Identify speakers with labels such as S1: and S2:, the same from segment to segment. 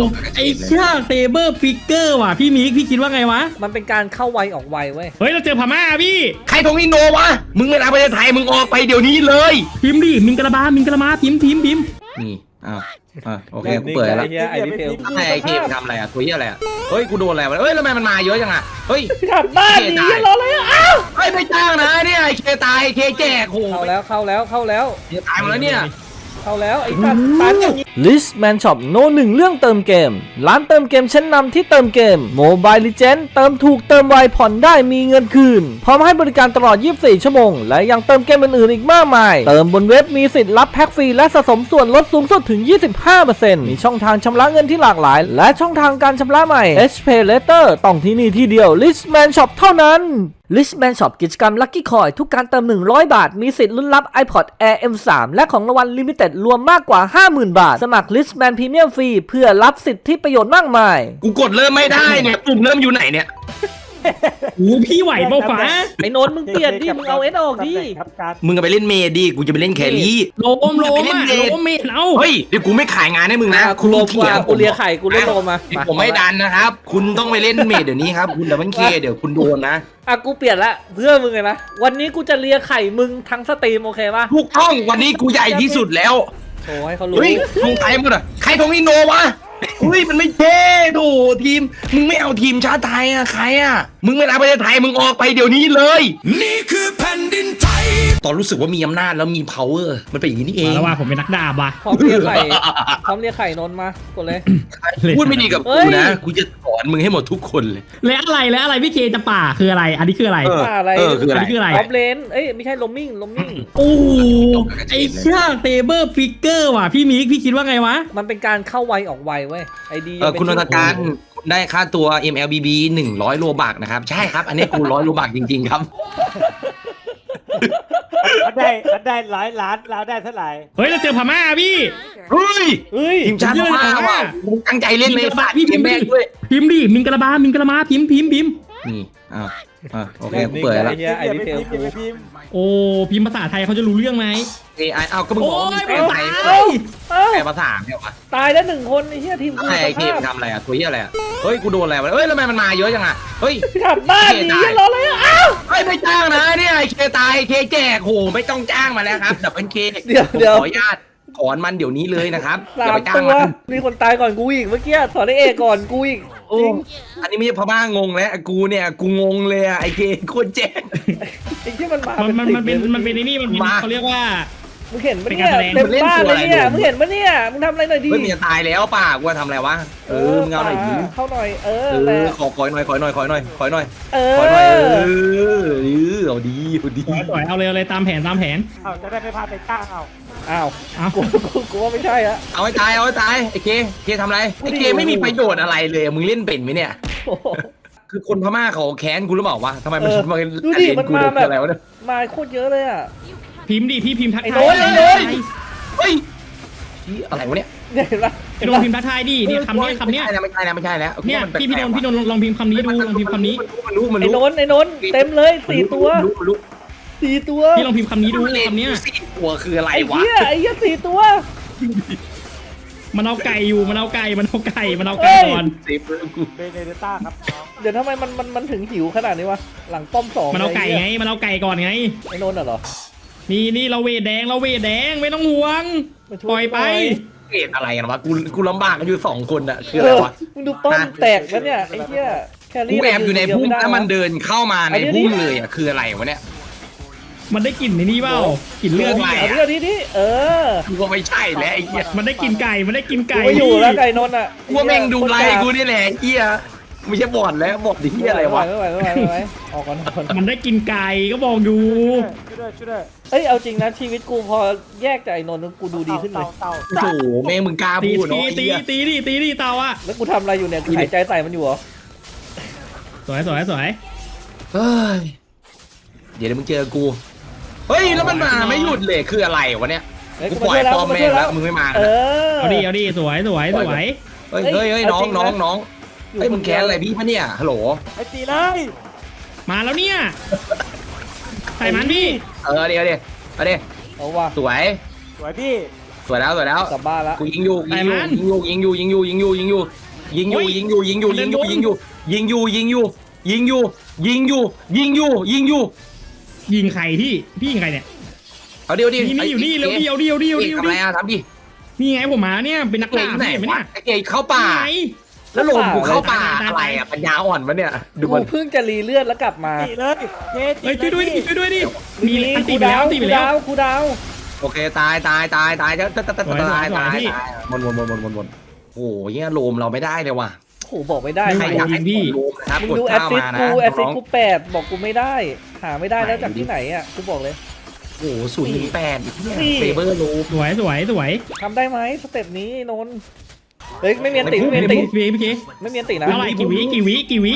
S1: ไอ้เชี่ยเซเบอร์ฟิกเกอร์ว่ะพี่มิกพี่คิดว่าไงวะ
S2: มันเป็นการเข้าไวออกไวเว้ย
S1: เฮ้ยเราเจอพม่าพี่
S3: ใครทงอินโนวะมึงไม่รับประเทศไทยมึงออกไปเดี๋ยวนี้เลย
S1: พิมพ์ดิมิงกะลาบามิงกะลามาพิมพ์
S3: นี่โอเคกูเปิดแล้ว
S2: ไอ้นี่เทล
S3: ให้ไอ้เคมทำอะไรอ่ะตัวเหี้ยอะไรอ่ะเฮ้ยกูโดนอะไรวะเฮ้ยทำไมมันมาเยอะจังอ่ะเฮ้ย
S2: กลับบ้านดีรออะไรอ่ะอ้าว
S3: เฮ้ยไม่จ้างนะเนี่ยไอ้เคตายไอ้เคแจกโห
S2: เข้าแล้ว
S3: เนี่ยตายหมดแล้วเนี่ย
S2: ไอ้ตันอย่างนี้
S4: Listman Shop โนหนึ่งเรื่องเติมเกม ร้านเติมเกมชั้นนำที่เติมเกม Mobile Legends เติมถูกเติมไวผ่อนได้มีเงินคืน พร้อมให้บริการตลอด 24 ชั่วโมง และยังเติมเกมอื่นๆอีกมากมาย เติมบนเว็บมีสิทธิ์รับแพ็กฟรีและสะสมส่วนลดสูงสุดถึง 25% มีช่องทางชำระเงินที่หลากหลาย และช่องทางการชำระใหม่ HPay Later ต้องที่นี่ที่เดียว Listman Shop เท่านั้นListman Shop กิจกรรม Lucky Coin ทุกการเติม100 บาทมีสิทธิ์ลุ้นรับ iPod Air M3 และของรางวัล Limited รวมมากกว่า 50,000 บาท สมัคร Listman Premium ฟรีเพื่อรับสิทธิประโยชน์มากมาย
S3: กูกดเริ่มไม่ได้เนี่ยปุ่มเริ่มอยู่ไหนเนี่ย
S1: โอ้พี่ไหวเปล่าฟ้า
S2: ไอ้โนนมึงเปลี่ยนดิมึงเอาเอสออกดิ
S3: มึงก็ไปเล่นเมดดิกูจะไปเล่นแครี่
S1: โลมอ่ะโลมเมดเอา
S3: เฮ้ยเดี๋ยวกูไม่ขายงานให้มึงนะ
S2: กูโลมกว่ากูเลียไข่กูเล่นโลมมา
S3: ผมไม่ดันนะครับคุณต้องไปเล่นเมดเดี๋ยวนี้ครับคุณดับเบิลเคเดี๋ยวคุณโดนนะ
S2: อ่ะกูเปลี่ยนละเพื่อมึงไงนะวันนี้กูจะเลียไข่มึงทั้งสตรีมโอเคป่ะ
S3: ถูกต้องวันนี้กูใหญ่ที่สุดแล้ว
S2: โชว์ให้เขารู้
S3: เฮ้ยทงไทยหมดอ่ะใครทงอินโนวะเฮ้ยมันไม่เท่โถทีมมึงไม่เอาทีมชาติไทยอ่ะใครอ่ะมึงไม่รับประเทศไทยมึงออกไปเดี๋ยวนี้เลยนี่คือแผ่นดินไทยตอนรู้สึกว่ามีอำนาจแล้วมี power มันเป็นอย่างนี้นี่เอง
S1: แล้วว่าผมเป็นนักดาบว่ะ
S2: พร้อมเลียไข่นนมากดเลย
S3: พูดไม่ดีกับ
S2: เฮ้
S3: กู
S2: ย
S3: นะกูจะสอนมึงให้หมดทุกคนเลย
S1: แล้วอะไรพี่เคจะป่าคืออะไรอันนี้คืออะไร
S2: อะไร
S3: คืออะไร
S1: อันนี้คืออะไร
S2: ออฟเลนเอ้ยไม่ใช่ลมมิ่ง
S1: โอ้ไอ้เชี่ยเซเบอร์ฟิกเกอร์ว่ะพี่มิกพี่คิดว่าไงวะ
S2: มันเป็นการเข้าไวออกไวเว้ยไอดี
S3: คุณนนทการคุณได้ค่าตัว MLBB 100 โลบักนะครับใช่ครับอันนี้กู100 โลบักจริงๆครับ
S5: มันได้100 ล้านเราได้เท่าไหร่
S1: เฮ้ยเราเจอพม่าพี่
S3: เฮ้ย
S2: เฮ้ย
S3: ทีมชาติพม่าว่ะมึงตั้งใจเล่นเลย
S1: พี่พิมพ์
S3: แม่ด้วย
S1: พิมพ์ดิมิงกะลาบามิงกะลามาพิมพ์
S3: นี่โอเคกูเปิดแล้ว
S2: ไอดีเทลกู
S1: โอ้พิมพ์ภาษาไทยเขาจะรู้เรื่องไหม
S3: AI เอาก็มึงบอกว่ามึง
S1: โอ้
S3: แปล
S1: ย
S3: ไทย
S2: เอ้า
S3: แปลภาษาเนี่ยวะ
S2: ตายแล้ว1 คนไอ้เหี้ยทีมกู
S3: ไอ้เคมทำอะไรอ่ะตัวเหี้ยอะไรอ่ะเฮ้ยกูโดนอะไรวะเฮ้ยทำไมมันมาเยอะจังอ่ะเฮ้ย
S2: กลับบ้านดีรออะไรอ่ะอ้าว
S3: เฮ้ยไม่จ้างนะเนี่ยไอ้เคตายไอ้เคแจกโหไม่ต้องจ้างมาแล้วครับดับเบิลเค
S2: เดี๋ยว
S3: ขออนุญาตถอนมันเดี๋ยวนี้เลยนะครับอย่าไปจ้าง
S2: ตัว
S3: มัน
S2: มีคนตายก่อนกูอีกเมื่อกี้ถอนไอเอก่อนกูอีก
S3: โอ้อันนี้ไม่ใช่พม่างงแล้วกูเนี่ยกูงงเลยอ่ะไอ้เคโคตรแจก
S2: ไอ้ที่มันมา
S1: มันเป็นไอ้นี่มันเป็น
S3: มา
S1: เขาเรียกว่า
S2: มึงเห็นปะเนี่ย
S1: เป็นการแสดง
S2: เต็มบ้านเลยเนี่ย
S3: มันเล่นตัวอะไร
S2: มึงเห็นปะเนี่ยมึงทำอะไรหน่อยดิ
S3: เฮ้ยมันจะตายแล้วป่ะกูจะทำอะไรวะมึงเอาหน่อยดิ
S2: เข้าหน่อย
S3: เอ
S2: แหละ
S3: อขอหน่อยขอหน่อยขอหน่อยขอหน่อย
S2: เอ
S3: ขอหน่อย
S2: อ
S3: เอาดี
S1: สวยเอาเลยตามแผน
S5: เอาจะได้ไม่พลาดไปจ้างเอา
S2: อ้าว
S1: เอา
S2: กูว่าไม่ใช่อะ
S3: เอาให้ตายไอ้เคทำอะไรไอ้เคไม่มีประโยชน์อะไรเลยมึงเล่นเป็นไหมเนี่ย
S2: โอ้โห
S3: คือคนพม่าเขาแค้นกูหรือเปล่าวะทำไมมันมา
S2: ดูดิมันมาแบบ
S3: อะไรวะเนี่ย
S2: มาโคตรเยอะเลยอ่ะ
S1: พิมพ์ดิพี่พิมพ์ทัก
S2: ไอ้
S1: ทาย
S2: โน้ตไอ้โน้ต
S3: เฮ้ยอะไรวะเนี่ย
S2: เนี่ยเห็นปะ
S1: ไอ้โดนพิมพ์ทักทายดิเนี่ยคำเนี้ย
S3: ไม่ใช่แล้ว
S1: เนี่ยพี่โดนลองพิมพ์คำนี้ดูลองพิมพ์คำนี้
S3: มันรู้
S2: ไอ้โน้นเต็มเลย4 ตัว 4 ตัว
S1: พี่ลองพิมพ์คำนี้ดูคำเนี้ย
S3: 4 ตัวคืออะไร
S2: ไอ้
S3: วะ
S2: เหี้ย4 ตัว
S1: มันเอาไก่อยู่มันเอาไก่ก่อน
S3: เซฟเรื่องกู
S5: เบเนเดต้าครับน้อง
S2: เดี๋ยวทำไมมันถึงหิวขนาดนี้วะหลังป้อม2
S1: มันเอาไก่ไงมันเอาไก่ก่อนไง
S2: ไอ้โน้นเหรอ
S1: นี่เราเวทแดงไม่ต้องห่วงปล่อยไป
S3: เกตอะไรกันวะกูลำบากกันอยู่2 คนอะคืออะไรวะ
S2: มึงดูป้อมแตกแล้วเนี่ยไอ้เหี้ยแค
S3: กู
S2: รี่
S3: แอบอยู่ในพุ่มแล้วมันเดินเข้ามาในพุ่มเลยอะคืออะไรวะเนี่ย
S1: มันได้กลิ่นในนี่เปล่ากลิ่นเลือด
S2: เอาเรื่องนี้
S3: กูก็ไม่ใช่แล้วไอ้เหี้ย
S1: มันได้กลิ่นไก่
S2: กูไม่อยู่แล้วไก่นนท์อ่ะ
S3: กูแม่งดูไลน์กูนี่แหละเหี้ยไม่ใช่บอดแล้วบอดดิเหี้ยอะไรวะ
S2: ไม่ไหวออกก่อน
S1: มันได้กลิ่นไก่ก็บอกดู
S5: ช่วยด้วย
S2: เอ้ยเอาจริงนะชีวิตกูพอแยกจากไอ้นนท์กูดูดีขึ้นเลย
S5: เต่า
S3: โอ้โหแม่งมึงกล้า
S1: ตี
S3: พูดเนาะไอ้
S1: ตี
S3: เหี้ย
S1: ดิเตาอ่ะ
S2: แล้วกูทำอะไรอยู่เนี่ยกูหายใจใส่มันอยู่เหรอ
S1: สวย
S3: เฮ้ยเดี๋ยวมึงเจอกูเฮ้ยแล้วมันมาไม่หยุดเลยคืออะไรวะเนี่ยกูปล่อยปอมแม่งแล้วมึงไม่มา
S1: เอาดิสวย
S3: เฮ้ยน้องเฮ้ยมึงแค้นอะไรพี่ปะเนี่ยฮัลโหล
S5: ไอ้ตีเลย
S1: มาแล้วเนี่ยใส่มันพี่
S3: เดี๋ยว
S2: เอาว่ะ
S3: สวย
S5: สวยพี่
S3: สวยแล้วสวยแล้ว
S2: กลับบ้านละ
S3: กูยิงอยู่ยิงอยู่ยิงอยู่ยิงอยู่ยิงอยู่ยิงอยู่ยิงอยู่ยิงอยู่ยิงอยู่ยิงอยู่ยิงอยู่ยิงอยู่ยิงอยู่ยิงอยู่ยิงอยู่ยิงอยู่ยิงอยู่
S1: ยิงใครพี่ยิงใครเนี่ย
S3: เอาเดียวดิ
S1: นี่อยู่นี่เร็วเดียว
S3: ทำอะไรอ่ะทำดิ
S1: นี่ไงผมมาเนี่ยเป็นนัก
S3: เก่
S1: ล่าง
S3: ไหน
S1: พี่เห็นไหม
S3: วะ
S1: เนี่ย
S3: ไอ้เก่งเข้าป่า
S1: ไง
S3: แล้วลงกูเข้าป่าอะไรอ่ะปัญญาอ่อนวะเนี่ยดู
S2: กู
S3: มัน
S2: เพิ่งจะรีเลือดแล้วกลับมา
S5: ตีเลยเจ๊
S1: เฮ้ยช่วยด้วยดิช่วยด้วยดิมี
S2: นี่
S1: อันตี
S2: กู
S1: ไปแล้
S2: ดาว ว
S1: ตีไป
S2: กู
S1: แล้ว
S2: ดาวกูดาว
S3: โอเคตายจะตายตายโอ้โหเนี่ยโลมเราไม่ได้เลยว่ะ
S2: โอ้โหบอกไม่ได้
S3: ใครอยากให้โลมนะครับ
S2: มึง
S3: กด
S2: ดูแอส
S3: ข้าว
S2: ซิส
S3: มานะ
S2: กูแอสซิส
S3: น้อง
S2: กู8บอกกูไม่ได้ หาไม่ได้แล้วจากที่ไหนอ่ะกูบอกเลย
S3: โอ้โห0-8อีกเนี่ย
S2: นี่
S3: เซเบอร์โลม
S1: สวย
S2: ทำได้ไหมสเต็ปนี้นนท์เฮ้ยไม่มีอันติไม่มีอันติ
S1: พี่เค
S2: ไม่มีอันตินะ
S1: เท่าไหร่กี่วิ
S2: 10 วิ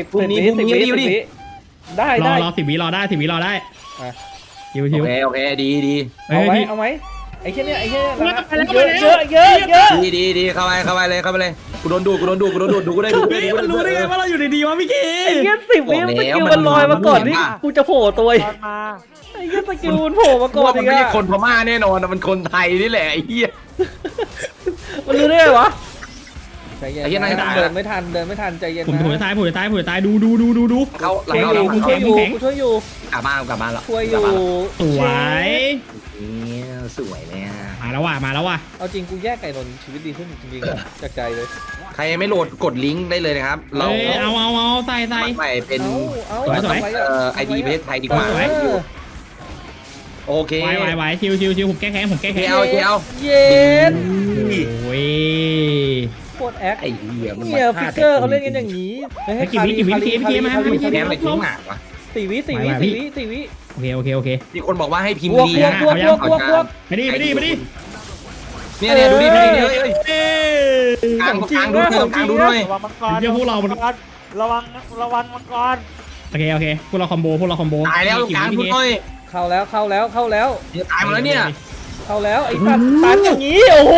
S2: ได้
S1: ร
S2: ได้
S1: อ10 วิรอได้10 วิรอได้
S2: อ่ะ
S1: ชิว
S3: โอเคดี
S2: เอาไหม
S1: พี่
S2: เอาไหมไอ้แค่เนี้ยไอ้แค่เนี้ย
S1: ไปแล้ว
S2: เยอะเยอะเยอะ
S3: ดีเข้าไปเลยกูโดนดูกูได้ดู
S1: พี่มันรู้ได้ไงว่าเราอยู่ดีๆวะพี่เค
S2: ไอ้เงี้ย10 วิสกิลมันลอยมาก่อนนี่กูจะโผล่ตัว
S5: ตอนมา
S2: ไอ้เงี้ยสกิลมันโผล่มาก่อน
S3: มั
S2: อี
S3: น
S2: ก
S3: ไม่ใช่
S2: อะ
S3: คนพม่าแน่นอนมันคนไทยนี่แหละไอ้เหี้ย
S2: มันรู้ได้ไงวะใจเย็น
S3: ไอ้เหี้ยนายตาย
S2: เดินไม่ทันใจเย็น
S1: ผม
S2: นะ
S1: ถูตายดู
S3: เขาหลัง
S2: ช่วย
S3: เรา
S2: อยู่กูช่วยอยู่กูช่วยอยู่
S3: กลับบ้านแล้ว
S2: ช่วยอยู่
S1: สวย
S3: เนี่ยสวยเลยอ่ะ
S1: มาแล้วว่ะ
S2: เอาจริงกูแยกไก่นนท์ชีวิตดีขึ้นจริงๆจากใจเลย
S3: ใครไม่โหลดกดลิงก์ได้เลยนะครับเรา
S1: เอาใส่
S3: ใหม่เป็น
S1: สวย
S3: ไอดีประเทศไทยดีกว่า โอเค
S1: ไหวชิวผมแก้แค้น
S3: เที่ยว
S2: เย็น
S1: โอ้ย
S2: โคตรแอค
S3: ไอ้เหี้ยมัน
S2: เนี่ยฟิกเกอร์เขาเล่นกันอย่างนี้
S1: กี่วิพี่มา
S3: แกมอะไรทิ้งหนักวะ
S2: 4 วิ
S1: โอเค
S3: มีคนบอกว่าให้พิมพ์
S2: บวก
S3: ดี
S2: บวก
S3: นะ
S2: บวกบวก
S1: ไปดิ
S3: เนี่ยดูดิกลางดูหน่อย
S5: ระวังมังกรระวังมังกร
S1: โอเคพวกเราคอมโบ
S3: ตายแล้วกลางดูหน่อย
S2: เข้าแล้ว
S3: ตายหมดแล้วเนี่ย
S2: เข้าแล้วไอ้ตันอย่างนี้โอ้โห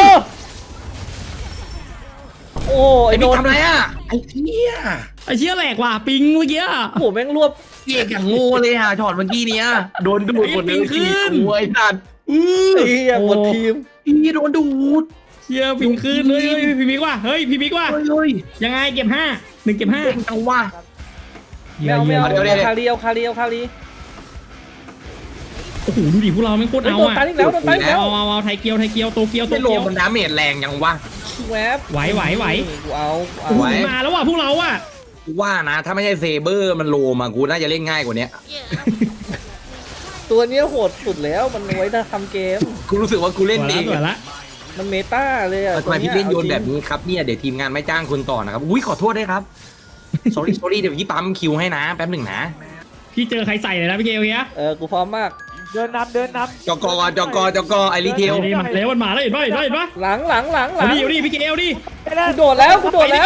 S2: โอ้ไอ้
S3: ไอ้
S2: โด
S3: บิ๊ก
S2: น
S3: ทำไรอ่ะไอ้เหี้ย
S1: ไอ้เชี่ยแหลกว่ะปิงเมื่อกี้
S2: โอ้โหแม่งรวบ
S3: เอกอย่างโง่เลยอ่ะช็อตเมื่อกี้เนี้ยโดนดูดหมดเลยไอ้สัตว์
S2: ไอ้เหี้ยหมดทีม
S3: พี่โดนดูด
S1: เชี่ยปิงขึ้นเลยพี่บิ๊กว่ะเฮ้ยพี่บิ๊กว่ะ
S3: เฮ้ย
S1: ยังไงเก็บ1 เก็บ 5
S3: เก่งจังวะ
S2: ไม่เอา
S3: เดี๋ยว
S2: คารี
S1: โอ้โหดูดิพวกเราไม่โคตรเอา
S2: โดน
S1: อ่ะ
S2: ตันอีกแล้วโดนตันอีกแล้ว
S1: เอาไทยเกียวโตเกียว
S3: ไม่โลมันดาเมจแรงยังวะ
S2: แวบ
S1: ไหว
S2: กูเอา
S3: ไหว
S1: มาแล้วว่ะพวกเราอ่ะ
S3: กูว่านะ ถ้าไม่ใช่เซเบอร์มันโลมากูน่าจะเล่นง่ายกว่านี้
S2: ตัวเนี้ยโหดสุดแล้วมันไว้ถ้าทำเกม
S3: กูรู้สึกว่ากูเล่นดี
S1: สวยละ
S2: มันเมตาเลยอะ
S3: ทำไมพี่เล่นโยนแบบนี้ครับเนี่ยเดี๋ยวทีมงานไม่จ้างคุณต่อนะครับอุ้ยขอโทษด้วยครับ sorry เดี๋ยวพี่ปั๊มคิวให้นะแป๊บหนึ่งนะ
S1: พี่เจอใครใส่เลยนะพี่เกลเฮีย
S2: กูพร้อมมาก
S5: เดินนำ
S3: จกไอรีเทล
S1: นี่มันแล้วมันมาแล้วเห็นป่ะ
S2: หลัง
S1: เอาดิพี่เกลดิ
S2: กูโดดแล้วโดดแล้ว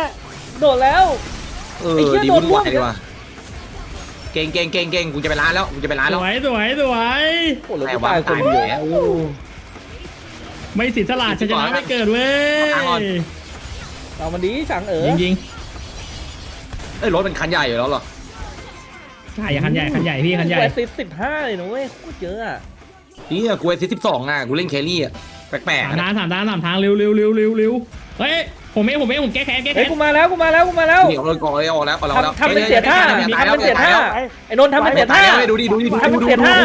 S3: ดีวุ่นวายดีว่ะเก่งกูจะไปร้านแล้ว
S1: สวย
S2: โอ้โหเหลือ
S3: แต่
S2: กู
S3: ว่า
S2: ตายคน
S3: ตาย
S2: เดียว
S3: แล้ว
S1: ไม่สิทธิ์สละชนะไม่เกิดเว้ย
S2: เอามันดีฉัง
S1: ยิง
S3: เอ้ยรถเป็นคันใหญ่อยู่แล้วเหรอ
S1: ใช่คันใหญ่พี่คันใหญ่
S2: แอสซิส15เลยนะเว้ยโคตรเยอะอะ
S3: นี่กูไอซิ12อ่ะกูเล่นแครี่อ่ะแปลกๆ
S1: 3 ทางเร็วเฮ้ยผมแก้แค้น
S2: เฮ้ยกูมาแล้ว
S3: นี่เอาเลยกองเลยออกแล้ว
S2: ทำเป็นเสียท่าไอ้นนท์ทำเป็นเสียท่า
S3: ดูดิ
S2: ทำเป็นเสียท่า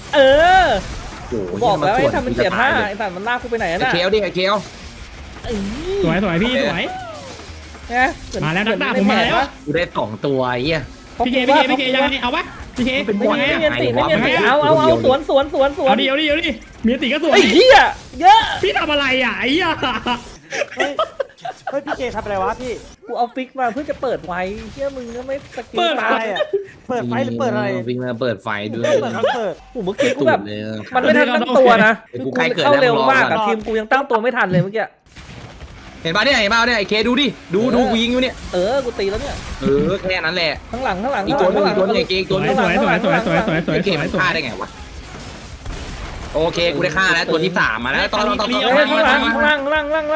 S2: บอกแล้ว
S3: ไอ้
S2: ให้ทำเป็นเสียท่าไอ้สัตว์มันลากกูไปไหนน่ะ
S3: เคลดิไอเคล
S1: สวยพี่สวย มาแล้วนักดาบผมมาแล้ว
S3: กูได้2ตัวไอ้เหี้ย
S1: พี่เกยังไงเอาปะพี่เก
S3: เป็นบอล
S2: ไม่มีติเอาสวน
S1: เอาดิมีติก็สวย
S2: ไอ้เหี้ยเยอะ
S1: พี่ทำอะไรอ่ะไอ้เหี้ย
S5: เฮ้ยพี่เจทำอะไรวะพี่
S2: กูเอาฟิกมาเพื่อจะเปิดไว้เหี้ยมึงก็ไม่สกิล
S5: อะไรอ่ะเปิดไฟหรือเปิดอะไร
S3: วิ่งมาเปิดไฟด้วย
S5: เปิดครับเปิด
S2: กูเมื่อกี้กูแบบมันไม่ทันตั้งตัวนะกูเข้าเร็วมากอะทีมกูยังตั้งตัวไม่ทันเลยเมื่อกี้
S3: เห็นป่ะเนี่ยไอ้เคดูดิดูกูยิงอยู่เนี่ย
S2: กูตีแล้วเนี่ย
S3: แค่นั้นแหละ
S2: ข้างหลัง
S3: อีกตัวนึงไอ้เกตัวนึง
S1: สวย
S3: ไอ้เกมันฆ่าได้ไงวะโอเคกูได้ฆ่าแล้วตัวที่3มาแล้วตอน
S2: ข้างล่าง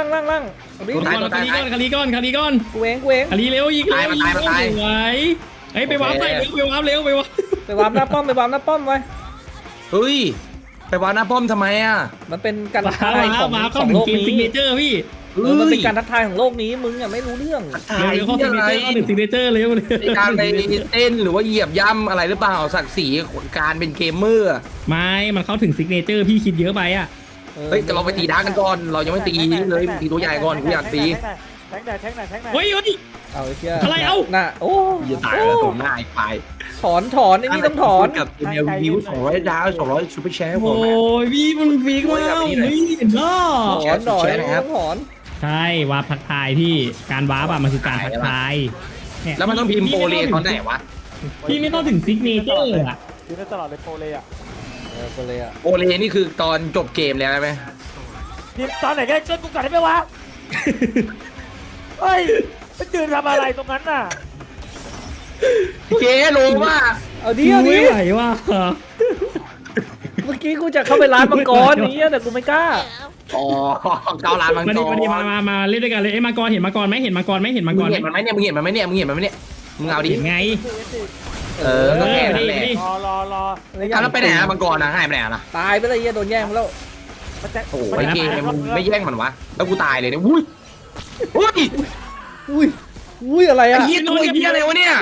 S1: คารีก้อน
S2: กูเอง
S1: คารีเร็วยิงสวยเฮ้ยไปวาร์ปใส่เร็วไปวาร์ป
S2: ไปวาร์ปหน้าป้อมไว้
S3: เฮ้ยไปวางหน้าป้อมทำไมอ่ะ
S2: มันเป็นการทั
S1: ว้าก ว
S2: ทายของ
S1: ว้าว
S2: ข
S1: เข้า
S2: อง
S1: ถึ
S2: โล
S1: ง
S2: ก
S1: เกม
S2: นี้
S1: ซิกเนเจอร์พี่
S2: มันเป็นการทักทายของโลกนี้มึงไม่รู้เรื่อง
S1: เร็วเข้าซิกเนเจอร์เข้าถึงซิกเนเจอร์เร็วเลย
S3: ในการไปเต้นหรือว่าเหยียบย่ำอะไรหรือเปล่าศักดิ์ศรีการเป็นเกมเมอร์
S1: ไม่มันเข้าถึงซิกเนเจอร์พี่คิดเยอะไปอ่ะ
S3: เฮ้ยแต่เราไปตีดาร์กกันก่อนเรายังไม่ตีเลยตีตัวใหญ่ก่อนกูอยากตี
S5: แทงไหนแทงไหนแทงไหน
S1: เฮ้ย
S2: เอาไอ้เชี่ย
S1: อะไรเอา
S2: น่ะโอ้
S3: อย่าตายแล้วตรงหน้าอีกไป
S2: ถอนไอ้นี่ต้องถอน
S3: กับเอ็มเอลวิว200 ดาว200ซูเปอร์แชร์ผ
S1: โอ้
S3: ม
S1: ยพี่มันฟีกมากพี่เห็นล้อ
S2: ถอนหน่อย
S3: แชร์นะครับ
S2: ถอน
S1: ใช่วาร์ปทักทายพี่การวาร์ปอะมันคือการทักทายเนี่ย
S3: แล้วมันต้องพิมพ์โปรเลตอนไหนวะ
S1: พี่ไม่ต้องถึงซิกเนเจอร์อะ
S5: ยืนได้ตลอดเลยโปรเลยอ่ะ
S2: ไปเลยอ่ะ
S3: โปรเลนี่คือตอนจบเกมแล้วใช่ไหม
S5: ทีมตอนไหนก็ได้ช่วยกูก่อนได้ไหมวะเฮ้ยไปยืนทำอะไรตรงนั้นน่ะ
S3: เจ๊รู้ว่า
S2: เอาดิเอาดิ
S1: ไม่ไหวว่ะ
S2: เมื่อกี้กูจะเข้าไปร้านมังกรนี้แต่กูไม่กล้า
S3: อ๋อเก้าล้านมังก
S1: มาดิ
S3: ร
S1: มาเล่นด้วยกันเลยเอ้ยมังกรเห็นมังกรไหมเห็นมังกรไหมเห็นมังก
S3: มึ
S1: รง ไหม
S3: เห็นมันไหมเนี่ยมึงเห็นมันไหมเนี่ยมึงเห็นมันไหมเนี่ยมึงเอาดิ
S1: เห็นไง
S3: เออก็แค่นั้นแหละ
S1: ดิ
S5: รอ
S3: แล้วไปไหนอะมังกรนะหายไปไหนอะล่ะ
S2: ตายไปเลยเหี้ยโดนแย่งไปแล้ว
S5: มันจะ
S3: โอ้โหไอ้เกมมึงไม่แย่งมันวะแล้วกูตายเลยเนี่ยอุ้ยอุ้ย
S2: อุ้ยอะไร
S3: ไอ้
S2: อ่ะ
S3: เหี้ยตัวเหี้ยอะไรวะเนี่ย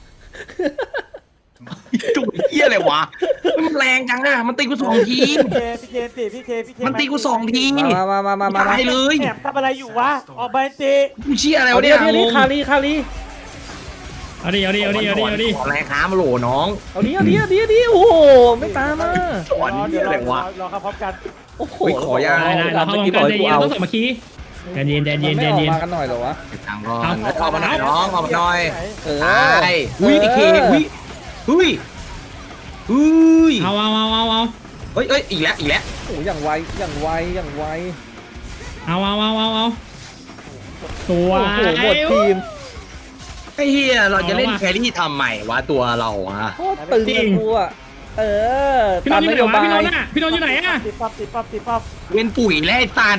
S3: จุกเหี้ยอะไรวะมันแรงจังอะมันตีกู2 ที
S5: พี่เค
S3: มันตีกู2 ที
S2: มา
S3: ตายเลย
S5: แอบทำอะไรอยู่วะออกไปเจ
S3: กูเชี่ยอะไร
S2: เอา
S3: วะ
S2: ดิ
S3: เนี่ย
S2: เอาดิคารี
S1: เอาดิ
S3: ขอแรงค้ามาโหลน้อง
S2: เอาดิโอ้โหไม่ตามมา
S3: สอนเหี้ยอะไรวะ
S5: รอครับพร้อมกัน
S2: โอ้โห
S3: เฮ้ยขอยา
S1: ได้เราเข้ากันใจเย็นต้องสมัคคีใจเย็น
S2: มันไม่ออกมากันหน่อยเหรอวะ
S3: ทางก่อนเอามาหน่อยน้องเอามาหน่อย
S2: เออ
S3: ตายอุ้ยไอ้เคอุ้ย
S1: เอา
S3: เฮ้ยอีกแล้ว
S2: โอ้อย่างไว
S1: เอาตัว
S2: โอ้โหหมดทีม
S3: ไอ้เฮียเราจะเล่นแครี่ทำใหม่วะตัวเราฮะ
S2: โคตรตึงเลยกูอ่ะ
S1: พี่น
S2: ตาน ม
S1: ท์อน ยู่
S2: โย
S1: ไหนวะ
S2: บาย
S1: พี่นนท์อยู่ไหนอะ
S5: ติดป๊อป
S3: เว้นปุ๋ยและไอ้ตาล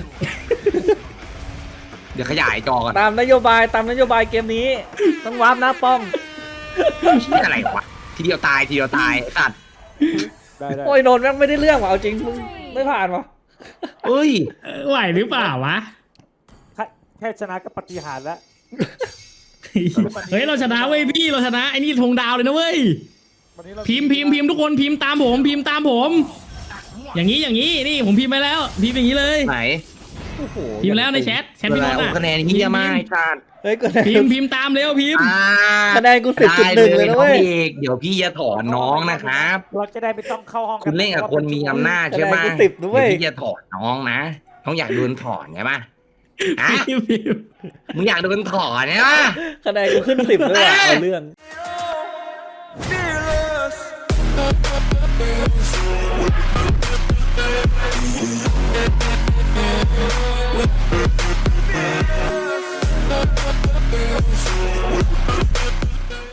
S3: เดี๋ยวขยายจอกัน
S2: ตามนโยบายเกมนี้ต้องวาร์ปหน้าป้อม
S3: เชี่ยอะไรวะทีเดียวตายไอ้สัตว์
S5: ได้
S2: โอ้ยโดนแม่งไม่ได้เรื่องว่ะเอาจริงมึงไม่ผ่านวะ
S3: เอ้ย
S1: ไหวหรือเปล่าวะ
S5: แค่ชนะก็ปฏิหารแล้ว
S1: เฮ้ยเราชนะเว้ยพี่เราชนะไอ้นี่ธงดาวเลยนะเว้ย
S5: วันนี้เรา
S1: พิมพ์ทุกคนพิมพ์ตามผม อย่างนี้นี่ผมพิมพ์ไปแล้วพิมพ์อย่างนี้เลย
S3: ไหน
S2: โอ้โห
S1: พิมพ์แล้วในแชทพี่นนท์อะ
S3: คะแนนเฮียมากไอ้สัตว์
S2: เฮ้ยก็ได้
S1: พิมพ์ตามเร็วพิมพ์
S2: คะแนนกู10.1เลยนะเว้ย
S3: เดี๋ยวพี่จะถอนน้องนะครับ
S5: เราจะได้ไม่ต้องเข้าห้อง
S3: คุณเล่นกับคนมีอำนาจใช่ไหม
S2: คะแนนกู10ด้วย
S3: เดี๋ยวพี่จะถอนน้องนะน้องอยากโดนถอนใช่ปะอ่ะ
S1: พิมพ์
S3: มึงอยากโดนถอนใช่ปะ
S2: คะแนนกูขึ้น10ด้วยว่ะเอาเรื่อง
S3: นี่